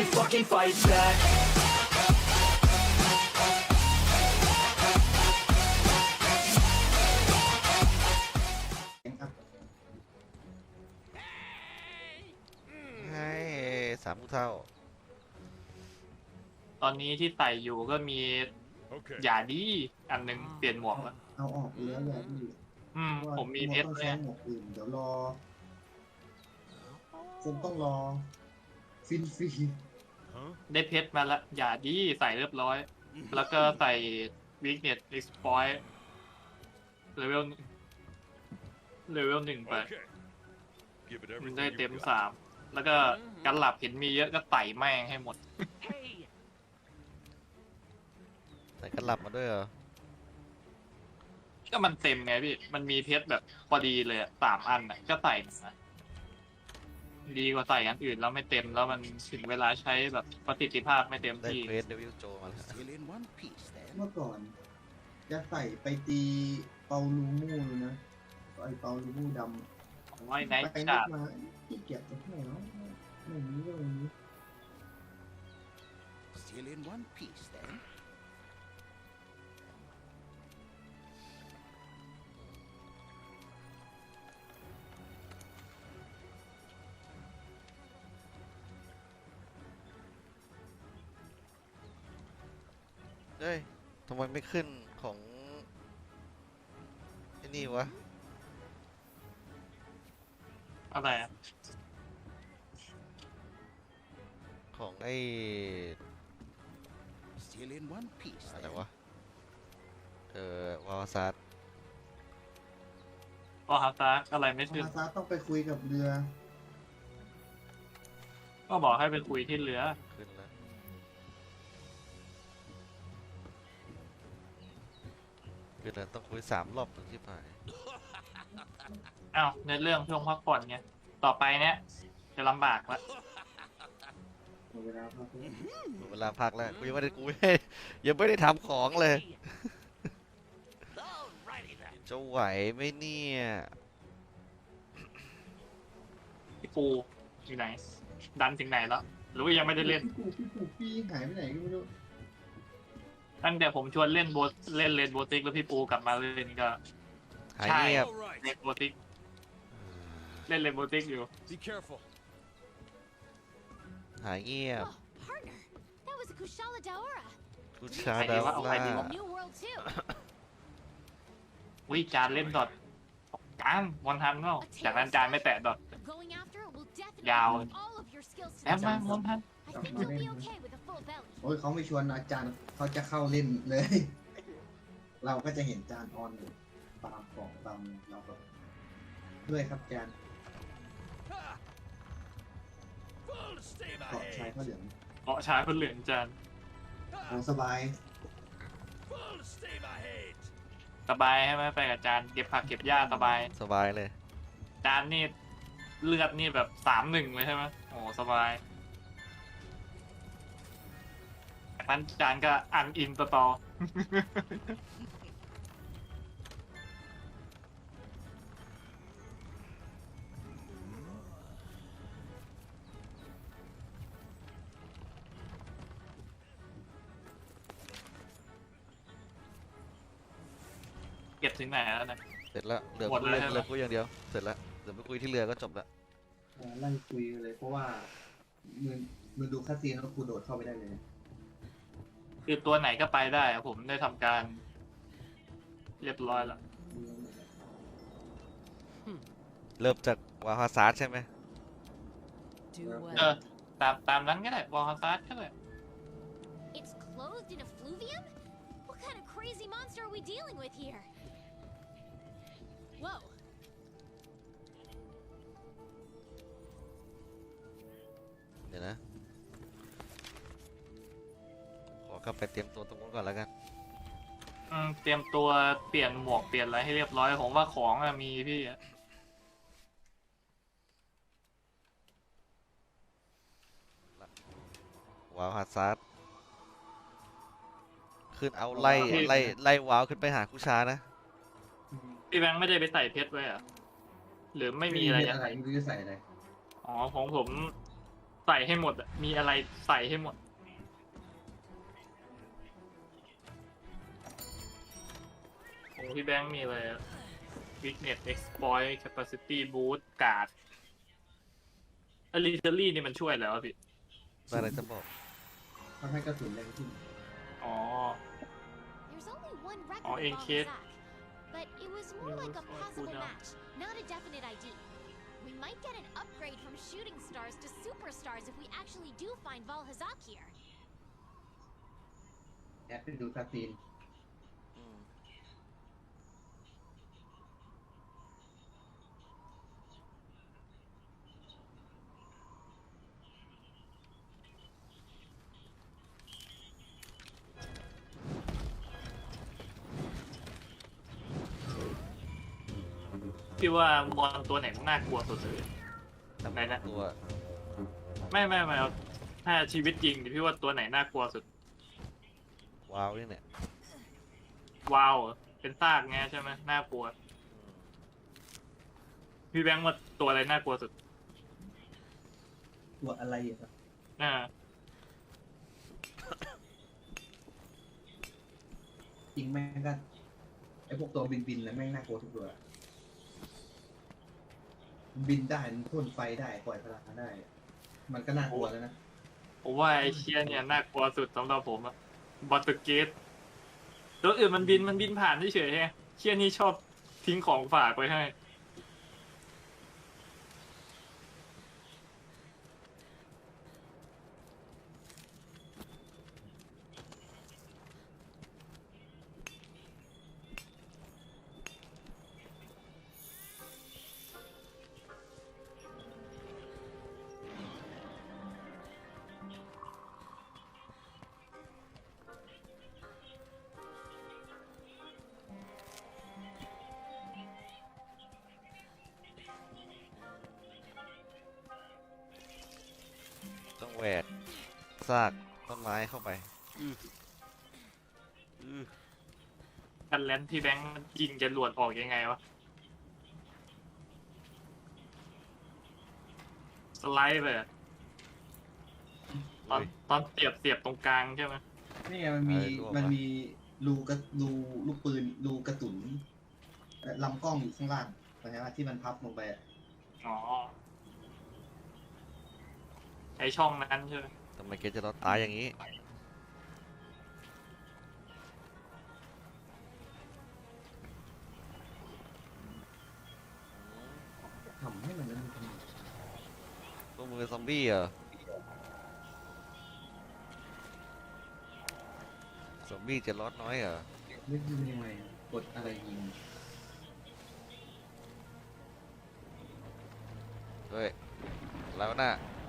fucking fight back. ให้สามผู้เท่าตอนนี้ที่ใส่อยู่ก็มีอย่าดีอันหนึงเปลี่ยนหมวกแล้วเอาออกไปแล้วอย่าดีผมมีเพชรต้องเลใช้ยหมวกอื่นเดี๋ยวรอคงต้องรอฟินฟรีได้เพชรมาแล้วอย่าดีใส่เรียบร้อย แล้วก็ใส่ weakness exploit เลเวล 1ไปมันได้เต็ม 3แล้วก็การหลับเห็นมีเยอะก็ไต่แม่งให้หมดใส่กระหลับมาด้วยเหรอก็มันเต็มไงพี่ มันมีเพชรแบบพอดีเลยอะ3 อันอะก็ใส่นะดีกว่าใส่อันอื่นแล้วไม่เต็มแล้วมันถึงเวลาใช้แบบประสิทธิภาพไม่เต็มได้ที่เควสเดวิลโจมาแล้ว Still in one piece then. เมื่อก่อนจะใส่ไปตีเปาลูมูเลยนะไอเปาลูมูดำผมว่าไอ้ไนท์ไปชานึกร์มาที่เก็บจะให้เนาะไม่มีก็ไม่มี Still in one piece then. เฮ้ยทำไมไม่ขึ้นของไอ้นี่วะอะไรอะของไอ้ Still in one piece อะไร then. วะ วาวาซัสก็ฮาตาอะไรไม่ขึ้นอาซาต้องไปคุยกับเรือก็บอกให้ไปคุยที่เรือขึ้นแล้วขึ้นแล้วต้องคุย3 รอบถึงที่ผ่านอ้าวในเรื่องช่วงพักผ่อนไงต่อไปเนี้ยจะลำบากละหมดเวลาพักแล้วหมดเวลาพักแล้วกูยังไม่ได้ยังไม่ได้ทำของเลย จะไหวไหมเนี่ยพี่ปูอยู่ไหน ดันถึงไหนแล้ว หรือว่ายังไม่ได้เล่นพี่หายไปไหนก็ไม่รู้ตั้งแต่ผมชวนเล่นเล่นเลนโบติกแล้วพี่ปูกลับมาเล่นก็หายเงียบเลนโบติกเล่นเลนโบติกอยู่ Be careful. หายเงียบ Oh, partner, that was a Kushala Daora. กูชาดาวเอาใครดีล่าวะ New world too. วิจานเล่นดอทจานวันทันเนาะจากนั้นจานไม่แตะดอท Going after it will definitely Yao. put all of your skills to แอบ the มา test. วันทัน I think you'll be okay with a full belly. โอ้ยเขาไม่ชวนอาจารย์เขาจะเข้าเล่นเลย เราก็จะเห็นจานออนอยู่ตามของตามเราก็ด้วยครับจาน Full steam เกาะชาย ahead. ผ้าเหลืองเกาะชายคนเหลืองจานโอ้สบาย Full steam ahead. สบายใช่ไหมไปกับจานเก็บผักเก็บหญ้าสบายสบายเลยจานนี่เลือดนี่แบบ3-1เลยใช่ไหมโอ้สบายจากนั้นจานก็อันอินต่อ เก็บถึงไหนแล้วนะเสร็จแล้วเหลือหมดกูแล้วใช่ไหมเหลือกูอย่างเดียวเสร็จแล้วเดี๋ยวไปคุยที่เรือก็จบละไล่คุยเลยเพราะว่ามึงดูคาซีนแล้วกูโดดเข้าไปได้เลยคือตัวไหนก็ไปได้อะผมได้ทำการ เรียบร้อยแล้วเริ่มจากวาวาซัสใช่ไหม Do เออตามนั้นก็ได้วอลฮาซาร์ดก็ได้ It's clothed in effluvium? What kind of crazy monster are we dealing with here? Whoa. เดี๋ยวนะ ขอกลับไปเตรียมตัวตรงนู้นก่อนแล้วกันเตรียมตัวเปลี่ยนหมวกเปลี่ยนอะไรให้เรียบร้อยผมว่าของอะมีพี่อะวาวาซัสขึ้นเอาไล่วาวขึ้นไปหาคุชานะพี่แบงค์ไม่ได้ไปใส่เพชรไว้เหรอะหรือไม่มีอะไรอะไรไม่รู้จะใส่อะไรอ๋อของผมใส่ให้หมดอะมีอะไรใส่ให้หมดของพี่แบงค์มีอะไรอะ weakness exploit capacity boost guard artillery นี่มันช่วยแล้วะพี่อะไรจะบอกทำให้กระสุนแรงขึ้นอ๋อ There's only one record Oh, of in kit. Balzac, but it was more It like a was like possible cooldown. match, not a definite ID. We might get an upgrade from shooting stars to superstars if we actually do find Valhazak here. แอดไปดูคาซีนอืมพี่ว่ามอนตัวไหนน่ากลัวสุดเลยทำไหนนะตัวไม่เอาถ้าชีวิตจริงดิพี่ว่าตัวไหนน่ากลัวสุดว้าวนี่เนี่ยว้าวเป็นซากไงใช่ไหมน่ากลัว พี่แบงค์ว่าตัวอะไรน่ากลัวสุดตัวอะไรอะครับอ่าจริงแม่งก็ไอพวกตัวบินแล้วแม่งน่ากลัวทุกตัวมันบินได้มันพ่นไฟได้ปล่อยพลังได้ มันก็น่ากลัวแล้วนะผมว่าไอ้เชียเนี่ยน่ากลัวสุดสำหรับผมอะบอตเตอร์เกตตัวอื่นมันบินผ่านเฉยๆไงเชียนี่ชอบทิ้งของฝากไว้ให้ต้องแหวกซากต้นไม้เข้าไปอื้ออื้อกันแลนที่แบงค์ยิงจะหลวดออกยังไงวะ สไลด์ไปอะตอนเสียบตรงกลางใช่ไหมนี่ไงมันมีรูกระรูลูกปืนรูกระสุนลำกล้องอยู่ข้างล่างเข้าใจว่าที่มันพับลงไปอะอ๋อ ไอช่องนั้นใช่ไหมทำไมแกจะรอดตายอย่างนี้ทำให้มันนั้นทำไมพวกมึงเป็นซอมบี้เหรอ ซอมบี้จะรอดน้อยเหรอนึกดูยังไงกดอะไรยิงเฮ้ย แล้วน่ะ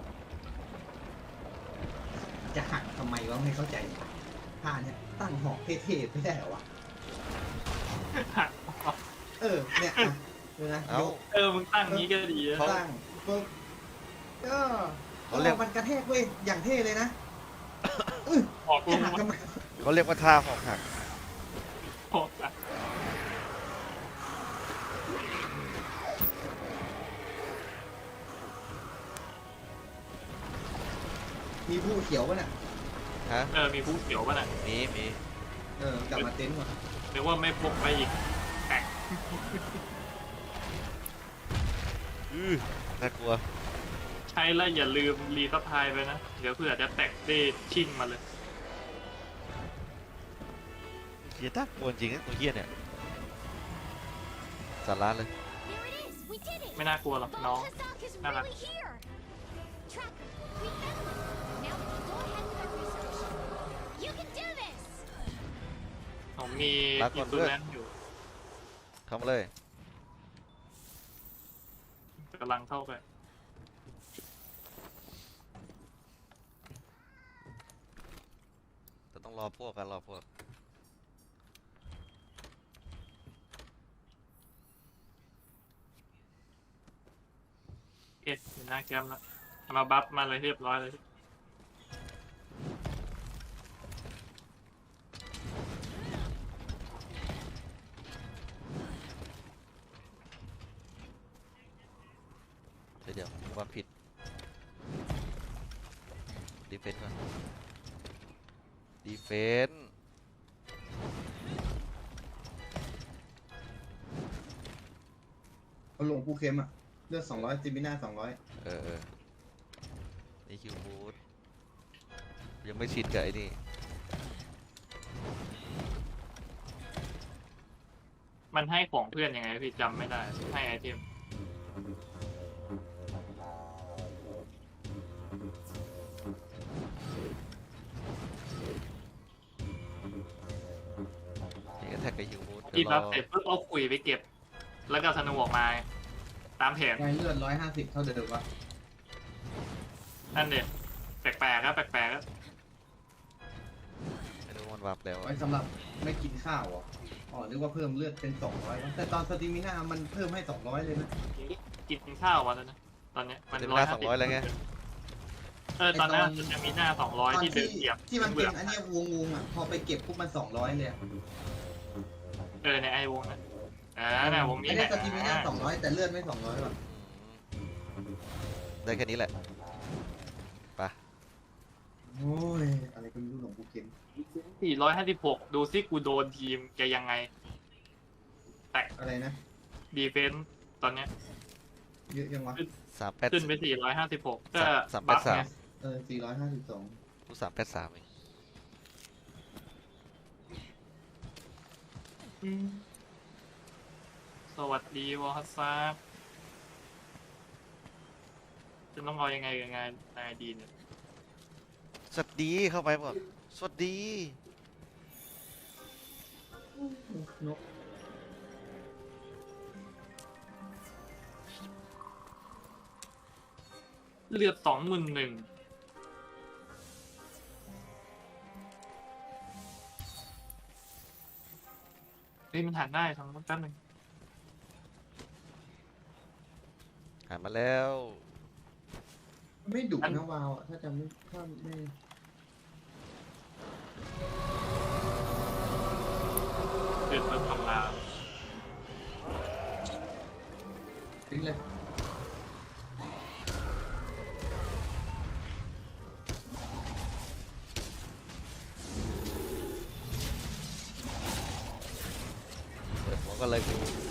จะหักทำไมวะไม่เข้าใจท่าเนี่ยตั้งหอกเท่ๆไม่ได้เหรอวะเนี่ยอ่ะดูนะเอ้ามึงตั้งนี้ก็ดีนะตั้งปุ๊บก็เขาเรียกมันกระแทกเว้ยอย่างเท่เลยนะออกลจะงหักมาทำไมเขาเรียกว่าท่าหอกหักออกอะมีผู้เขียวป่ะน่ะฮะมีผู้เขียวป่ะน่ะมีกลับมาเต็นท์ก่อนหรือว่าไม่พกไปอีกแตกอื้อน่ากลัวใช้แล้วอย่าลืมรีซัพพลายไปนะ เดี๋ยวเผื่อจะแตกได้ชิ่งมาเลยเฮียน่ากลัวจริงนะตัวเฮียเนี่ย สาระเลย There it is! We did it! ไม่น่ากลัวหรอกน้อง Valhazak is Nah, nah. really here! Tracker, we found it! Now we can go ahead with our research. You can do this! ผมมีลาก่อิอนนด้ตูวยแลนอยู่เข้ามาเลยกำลังเข้าไปจะต้องรอพวกกันรอพวกอยู่หน้าแคมป์แล้วมาบัฟมาเลยเรียบร้อยเลยเดี๋ยวความผิดดีเฟนต์ก่อนดีเฟนต์เขาลงผู้เข้มอะเลือด200จิมิน่า200 เออนี่คิวบูทยังไม่ชินกับไอ้นี่มันให้ของเพื่อนยังไงพี่จำไม่ได้ให้ไอเทมนี่ก็แท็กกับคิวบูทที่รับเสร็จปุ๊บเอาขุยไปเก็บ แล้วก็ธนูออกมา ตามแผนไงเลือด150เท่าเดิมวะนั่นเด็ดแปลกๆครับแปลกๆครับไม่รู้มันวับแล้วไว้สำหรับไม่กินข้าวเหรออ๋อนึกว่าเพิ่มเลือดเป็น200วะแต่ตอนสตามิน่ามันเพิ่มให้200เลยนะกินข้าววันแล้วนะตอนเนี้ยมันเต็มหน้า200แล้วไงตอนนั้นมันจะมีหน้าตอน 200ที่เดิที่นเหยียบที่มันเป็นอันเนี้ยวงๆอ่ะพอไปเก็บปุ๊บมัน200เลยอะในไอวงนะเนี่ยวงนี้ไม่แหได้ละสตามิน่า200แต่เลือดไม่200ว่ะได้แค่นี้แหละไปโอ้ยอะไรก็ไม่รู้หลงกูเข็ม 456ดูซิกูโดนทีมจะยังไงอะไรนะดีเฟนส์ตอนเนี้ยเยอะยังวะ 383 ขึ้นไป456ก็ 383 บัฟไง 452 กู383เองสวัสดีวอลซัสจะต้องเอายังไงยังไงนายดีเนี่ยสวัสดีเข้าไปบอกสวัสดีนกเลือด21,000เฮ้ยมันหันได้ทั้งแป๊บนึงหามาแล้วไม่ดุนะวาวอะถ้าจะไม่ถ้าไม่เดือดมันทำลายทิ้งเลยเปิดหัวก็เลยกู